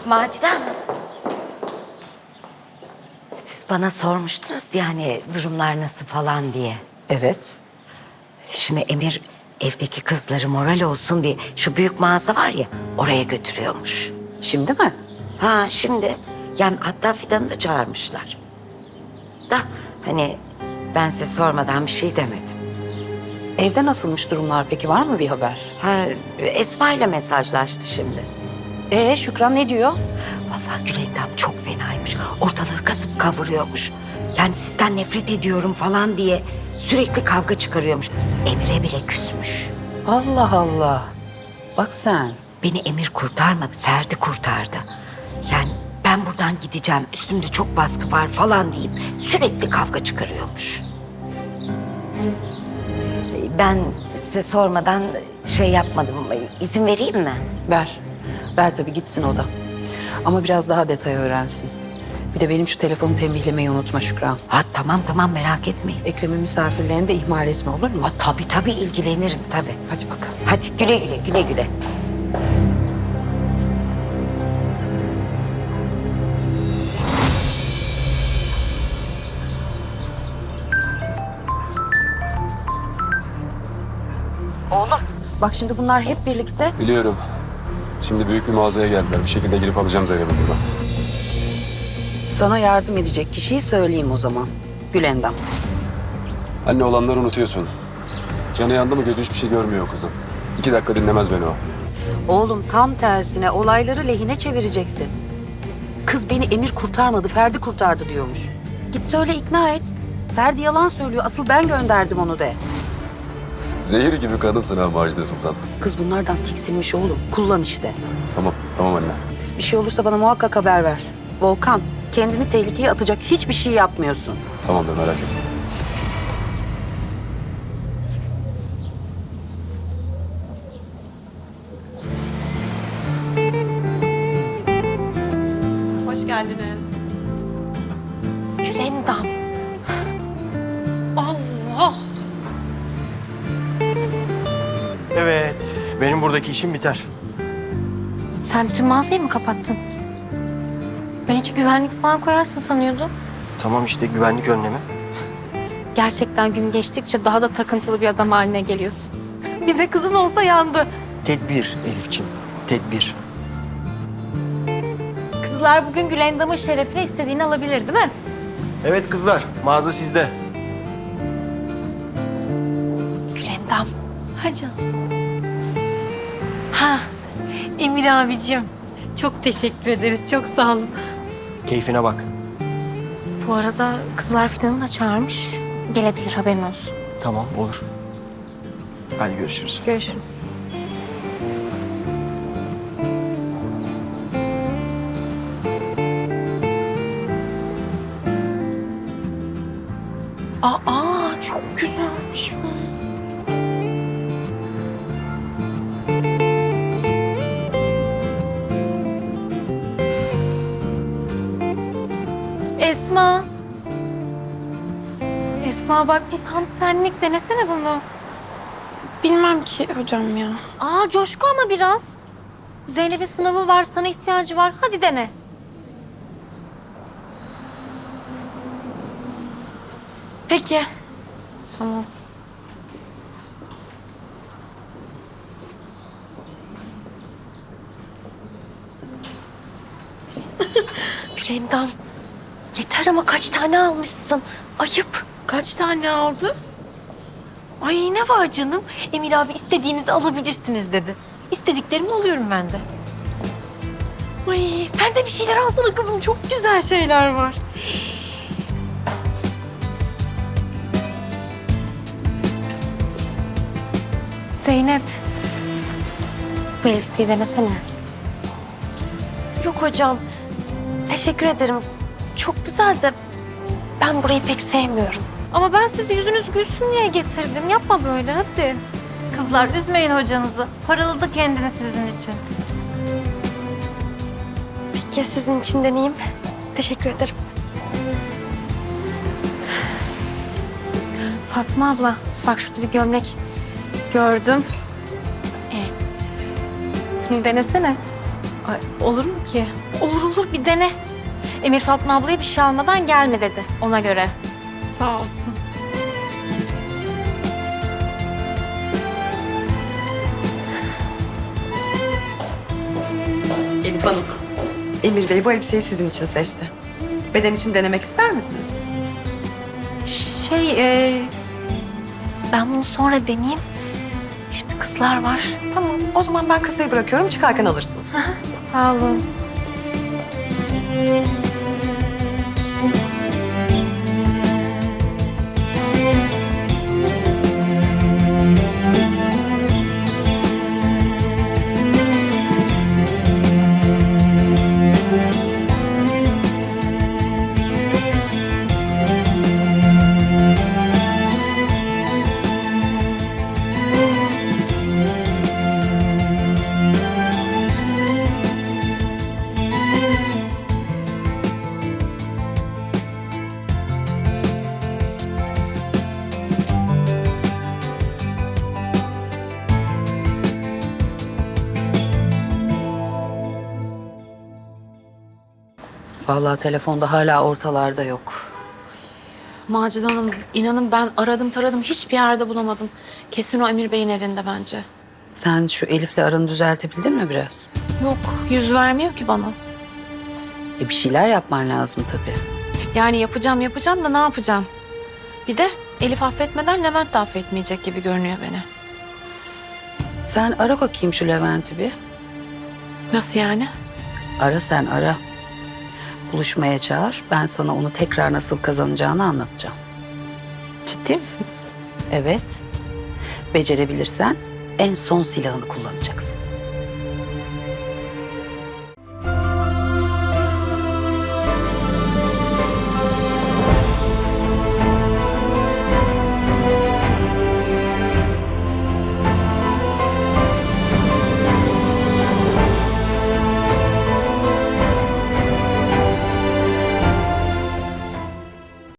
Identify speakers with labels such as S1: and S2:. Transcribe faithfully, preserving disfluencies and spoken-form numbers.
S1: Macide Hanım. Siz bana sormuştunuz yani durumlar nasıl falan diye.
S2: Evet.
S1: Şimdi Emir evdeki kızları moral olsun diye şu büyük mağaza var ya oraya götürüyormuş.
S2: Şimdi mi?
S1: Ha şimdi yani hatta Fidan'ı da çağırmışlar. Da hani ben size sormadan bir şey demedim.
S2: Evde nasılmış durumlar peki? Var mı bir haber?
S1: Ha Esma ile mesajlaştı şimdi.
S2: Ee Şükran ne diyor?
S1: Vallahi Gülendam çok fenaymış. Ortalığı kasıp kavuruyormuş. Yani sizden nefret ediyorum falan diye sürekli kavga çıkarıyormuş. Emir'e bile küsmüş.
S2: Allah Allah. Bak sen.
S1: Beni Emir kurtarmadı, Ferdi kurtardı. Yani ben buradan gideceğim, üstümde çok baskı var falan deyip sürekli kavga çıkarıyormuş. Ben size sormadan şey yapmadım. İzin vereyim mi?
S2: Ver. Ver tabii gitsin o da. Ama biraz daha detay öğrensin. Bir de benim şu telefonu tembihlemeyi unutma Şükran.
S1: Ha tamam tamam merak etmeyin.
S2: Ekrem'in misafirlerini de ihmal etme olur mu?
S1: Ha, tabii tabii ilgilenirim tabii.
S2: Hadi bakalım.
S1: Hadi güle güle güle güle.
S2: Oğlum. Bak şimdi bunlar hep birlikte.
S3: Biliyorum. Şimdi büyük bir mağazaya geldiler. Bir şekilde girip alacağım Zeynep'i buradan.
S2: Sana yardım edecek kişiyi söyleyeyim o zaman. Gülendam.
S3: Anne olanları unutuyorsun. Canı yandı mı gözü hiçbir şey görmüyor o kızın. İki dakika dinlemez beni o.
S2: Oğlum tam tersine olayları lehine çevireceksin. Kız beni Emir kurtarmadı, Ferdi kurtardı diyormuş. Git söyle ikna et. Ferdi yalan söylüyor. Asıl ben gönderdim onu de.
S3: Zehir gibi kadınsın ha Macide Sultan.
S2: Kız bunlardan tiksinmiş oğlum. Kullan işte.
S3: Tamam, tamam anne.
S2: Bir şey olursa bana muhakkak haber ver. Volkan, kendini tehlikeye atacak hiçbir şey yapmıyorsun.
S3: Tamamdır merak etme.
S4: Hoş geldiniz.
S1: Gülendam.
S4: Allah!
S5: Evet, benim buradaki işim biter.
S6: Sen bütün mağazayı mı kapattın? Ben iki güvenlik falan koyarsın sanıyordum.
S5: Tamam işte güvenlik önlemi.
S6: Gerçekten gün geçtikçe daha da takıntılı bir adam haline geliyorsun. Bir de kızın olsa yandı.
S5: Tedbir Elifçim, tedbir.
S6: Kızlar bugün Gülendam'ın şerefine istediğini alabilir değil mi?
S5: Evet kızlar, mağaza sizde.
S6: Gülendam.
S4: Ha canım. Ha, Emir abicim. Çok teşekkür ederiz. Çok sağ olun.
S5: Keyfine bak.
S6: Bu arada kızlar Fidan'ı da çağırmış. Gelebilir haberin olsun.
S5: Tamam, olur. Hadi görüşürüz.
S6: Görüşürüz.
S4: Aa, çok güzelmiş.
S6: Esma. Esma bak bu tam senlik. Denesene bunu.
S7: Bilmem ki hocam ya.
S6: Aa coşku ama biraz. Zeynep'in sınavı var, sana ihtiyacı var. Hadi dene.
S7: Peki.
S6: Tamam.
S1: Gülendam. Yeter ama kaç tane almışsın? Ayıp.
S4: Kaç tane aldı? Ay ne var canım? Emir abi istediğinizi alabilirsiniz dedi. İstediklerimi alıyorum ben de. Ay sen de bir şeyler alsana kızım. Çok güzel şeyler var.
S6: Zeynep. Bu elbiseyi denesene.
S7: Yok hocam. Teşekkür ederim. Çok güzel de ben burayı pek sevmiyorum.
S6: Ama ben sizi yüzünüz gülsün diye getirdim. Yapma böyle hadi.
S4: Kızlar üzmeyin hocanızı. Paraladı kendini sizin için.
S7: Peki sizin için deneyeyim. Teşekkür ederim.
S6: Fatma abla bak şurada bir gömlek gördüm. Evet. Bunu denesene.
S4: Ay, olur mu ki?
S6: Olur olur bir dene. Emir Fatma ablaya bir şey almadan gelme dedi ona göre. Sağ olsun.
S8: Elif Hanım, Emir Bey bu elbiseyi sizin için seçti. Beden için denemek ister misiniz?
S7: Şey, e, ben bunu sonra deneyeyim. Şimdi kızlar var.
S8: Tamam, o zaman ben kasayı bırakıyorum, çıkarken alırsınız.
S6: Sağ olun.
S2: Vallahi telefonda hala ortalarda yok.
S6: Macide Hanım, inanın ben aradım taradım hiçbir yerde bulamadım. Kesin o Emir Bey'in evinde bence.
S2: Sen şu Elif'le aranı düzeltebildin mi biraz?
S6: Yok, yüz vermiyor ki bana.
S2: E bir şeyler yapman lazım tabii.
S6: Yani yapacağım yapacağım da ne yapacağım? Bir de Elif affetmeden Levent de affetmeyecek gibi görünüyor beni.
S2: Sen ara bakayım şu Levent'i bir.
S6: Nasıl yani?
S2: Ara sen ara. Buluşmaya çağır. Ben sana onu tekrar nasıl kazanacağını anlatacağım.
S6: Ciddi misiniz?
S2: Evet. Becerebilirsen en son silahını kullanacaksın.